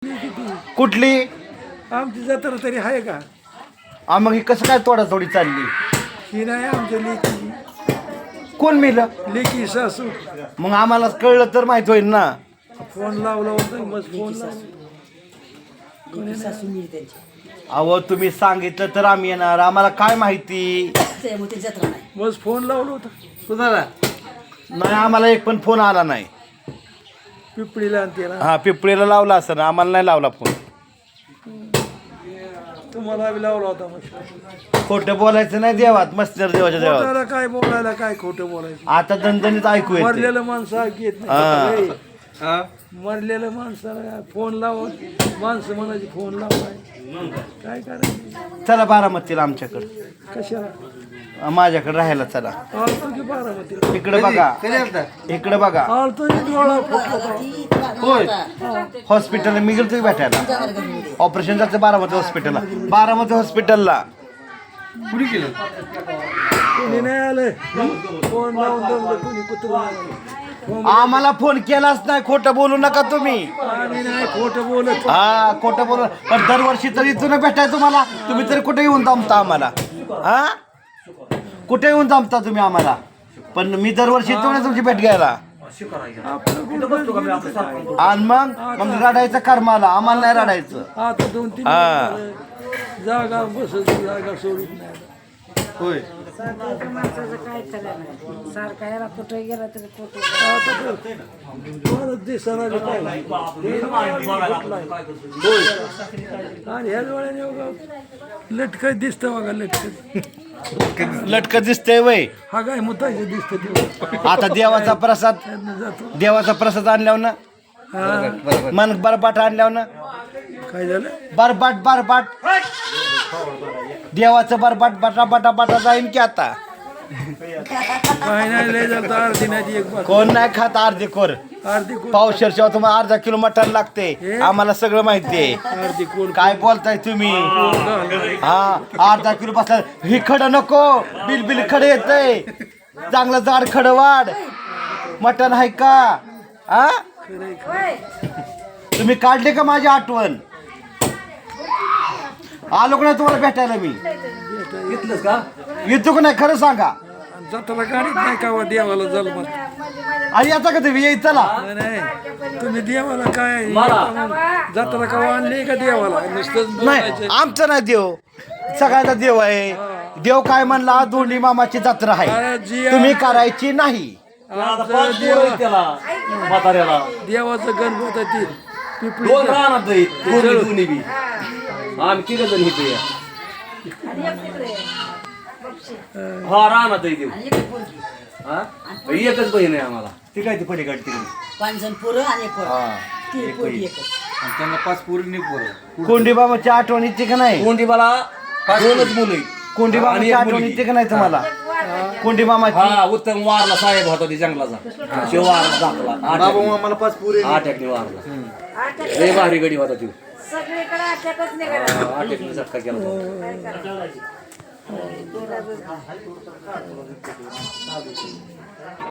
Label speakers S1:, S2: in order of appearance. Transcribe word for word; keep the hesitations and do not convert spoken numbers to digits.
S1: कुठली?
S2: आमची जत्रा तरी आहे का?
S1: आ मग ही कसं काय तोडातोडी चालली?
S2: ही नाही आमच्या लेकी.
S1: कोण मेलं?
S2: लेकी सासू.
S1: मग आम्हाला कळलं तर माहित होईल ना.
S2: फोन लावला होता मग फोन लावला.
S1: अहो तुम्ही सांगितलं तर आम्ही येणार, आम्हाला काय माहिती.
S2: मग फोन लावला होता
S1: कुणाला? नाही, आम्हाला एक पण फोन आला नाही.
S2: पिपळीला आणते ना.
S1: हा, पिपळीला लावला असं ना, आम्हाला नाही लावला फोन.
S2: तुम्हाला बी लावला होता मग.
S1: खोटं बोलायचं नाही देवात, मस्तर देवाच्या देवात.
S2: खोटाला काय बोलायला, काय खोटं बोलायचं.
S1: आता दणदणीत ऐकू येते.
S2: मरलेलं माणसं ऐकू येत नाही. मरलेलं माणसाला फोन लावून माणसं म्हणायची फोन लावाय काय करायचं.
S1: चला बारामतीला आमच्याकडे,
S2: कशाला
S1: माझ्याकडे राहायला चला.
S2: आलतो की बारामतीला.
S1: इकडे बघा, इकडे बघा.
S2: आलतो की डोळा फुटला.
S1: होय, हॉस्पिटलला मी गेलो तुम्ही भेटायला. ऑपरेशन झालं बारामती हॉस्पिटलला. बारामती हॉस्पिटलला
S2: कुणी केलं? कोणी नाही आलं. फोन लावून दमलं कोणी कुत्र.
S1: आम्हाला फोन केलाच नाही. खोटं बोलू नका तुम्ही.
S2: आम्ही नाही खोटं बोलत.
S1: हा, खोटं बोलू. पण दरवर्षी तरी इथून भेटाय तुम्हाला. तुम्ही तरी कुठे येऊन जमता आम्हाला? हा, कुठे येऊन जमता तुम्ही आम्हाला? पण मी दरवर्षी येतो ना तुमची भेट घ्यायला. आणि मग मग रडायचं कर्माला, आम्हाला नाही रडायचं.
S2: आता दोन तीन
S1: हा.
S2: जागा बसत जागा सोडत नाही.
S1: होय,
S3: माणसाचं काय खरं नाही. सारखा याला कुठे गेला तरी कुठे
S2: आता तर परत दिसायला बी काय. आणि ह्या डोळ्याने बघा लटकत दिसतं बघा. लटकत
S1: लटकत दिसतंय वय.
S2: हा काय मुतायचं दिसतं ते.
S1: आता देवाचा प्रसाद,
S2: जातो
S1: देवाचा प्रसाद आणल्यावर ना,
S2: हा
S1: मन बरबाट आणल्यावर ना,
S2: काय झालं.
S1: बरबाट बरबाट देवाचं बरबाट बटा बटा बटा जाईन की आता.
S2: काय नाही लय झालं तर अर्धी नाही एक बार.
S1: कोण नाही खात अर्धे खोर.
S2: अर्धी कोण
S1: पावशेरच्या तुम्हाला अर्धा किलो मटण लागते. आम्हाला सगळं माहिती आहे.
S2: अर्धी कोण
S1: काय बोलताय तुम्ही? हा, अर्धा किलो बसला. ही खड नको, बिल बिल खड येतंय. चांगलं जाड खड वाढ. मटण आहे का? हा, तुम्ही काढले का माझी आठवण? आलो का नाही तुम्हाला भेटायला मी?
S2: घेतलंस का?
S1: येतो का नाही खरं सांगा.
S2: जाताला गाडीत नाही का वा देवाला झालं मग.
S1: आणि आता का तुम्ही येईल चला.
S2: नाही, नाही तुम्ही देवाला काय जाताला का आणले का देवाला नुसतंच
S1: नाही,
S2: बोलायचं.
S1: आमचं नाही देव, सगळ्याचा देव आहे. देव काय म्हणला? दोंडी मामाची जत्रा आहे, तुम्ही करायची नाही.
S2: आमचं देवा-
S4: म्हाताऱ्याला
S2: देवाचं गणपत आहे ती पिपळी.
S4: दोन राहणार दोन्ही बी. आम्ही तिघ जण इथे हा राहणार देऊ. हा, एकच बहीण आहे आम्हाला.
S1: ती काय ती पलीकडे तिकडे.
S5: पाच जण पोरं आणि एक पोरं. ती पोरगी एकच.
S4: त्यांना पाच पूर्ण पोरं.
S1: कोंडी बाबाची आठवण येते का नाही?
S4: कोंडीबाला दोनच मुलं आहेत.
S1: कोंडी
S4: आणि
S1: बाबाची
S4: एक
S1: आठवण
S4: मुलगी.
S1: येते का नाही तुम्हाला? कोंडी मामाची.
S4: हा, उत्तम वारला साहेब होता ती जंगलाचा. शिव वारला दाखला
S1: आम्हाला पाच पुरे.
S4: आठ एकने वारला. लय भारी गडी होता ती.
S3: सगळीकडे अटॅकच निघाला.
S4: आठ एकने झटका केला होता.
S3: काय करायचं?